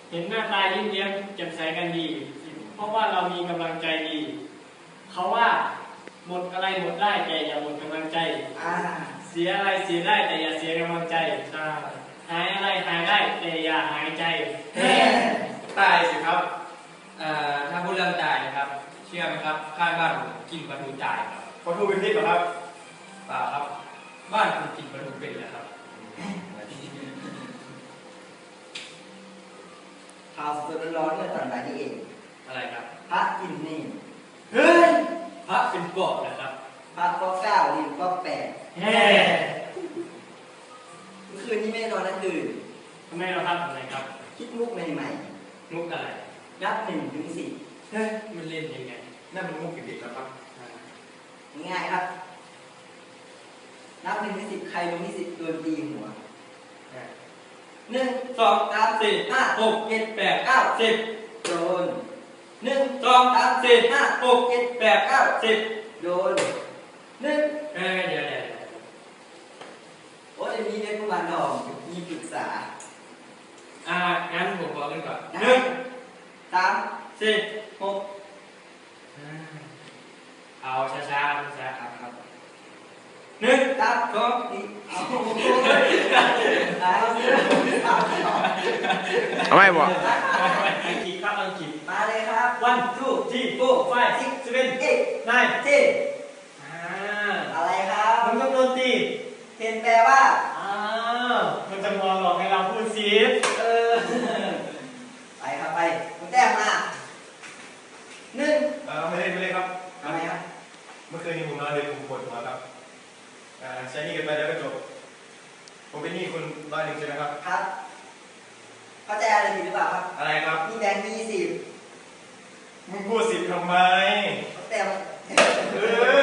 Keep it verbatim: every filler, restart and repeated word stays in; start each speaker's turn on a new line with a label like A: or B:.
A: เห็นหน้าตายิ้มแย้มแจ่มใสกันดีเพราะว่าเรามีกำลังใจดีเขาว่าหมดอะไรหมดได้แต่อย่าหมดกำลังใจเสียอะไรเสียได้แต่อย่าเสียกำลังใจหายอะไรหายได้แต่อย่าหายใจ
B: ตายสิครับถ้าพูดเรื่องตายนะครับเชื่อไหมครับข้างบ้านผมกินปลาทูตายครับ
C: ปลาทูเป็นพิษเหรอครับ
B: เปล่าครับบ้านคุณกินปลาทูเป็นเหรอครับ
D: ข่าวสดร้อนๆเมื่อตอนบ่ายนี้เอง
B: อะไรครับ
D: พระกินนี่
B: เฮ้ยพระเป็นปอบนะครับ
D: พระก็เก้าลิงก็แปด
A: เฮ้
D: เมื่อคืนนี้ไม่นอนทั้งคืน
A: ทำไมเราทำอะไรครับ
D: คิดมุกใหม่
B: ๆมุกอะไร
D: นับหนึ่งถึงสิบ
B: เฮ้ยมันเล่นยังไง
C: นั่นมันมุกเด็กๆแล้วครับ
D: ง่ายครับนับหนึ่งถึงสิบใครลงที่สิบโดนตีหัวหนึ่ง
B: สองสามสี่ห้าหกเจ็ดแปดเก้าสิบ
D: โดนหนึ่ง
B: สองสามสี่ห้าหกเจ็ดแปดเก้าสิบ
D: โดนหนึ่ง
B: เอ้ยเดี๋ยวเดี๋ยว
D: โอ้ยมีเด็กผู้มันทองมีปรึกษา
B: อ่างั้นผมบอกกันก่อนหนึ่ง
D: สาม
B: สี่
D: หก
B: เอาช้าๆช้า
D: ครับครับ
B: หนึ่ง
D: สามสองสี่เอา
C: เอาไม่บอก
B: อังกฤษครับอังกฤษ
D: มาเลยครับ
B: one two three four five six seven eight nine
D: ten
B: อ่า
D: อะไรครับ
B: มันต้องโดนตี
D: เทนแปลว่า
B: อ้าวมันจะมองหลอกให้เราพูดซีฟ
D: เออไปครับไปคุณแต้มมาหนึ่ง
C: เออไม่เล่นไม่เล่นครับ
D: ทำไมครับ
C: เมื่อคืนนี้ผมนอนเลยผมปวดหัวครับอ่าใช้นี่กันไปแล้วก็จบผมเป็นหนี้คุณร้อยหนึ่งใช่ไหมครับ
D: ครับเข้าใจอะไรผิดหรือเปล่าครับ
C: อะไรครับ
D: มีแบงค์ยี่สิบ
C: มึงพูดสิบทำไม
D: แต่
C: เออ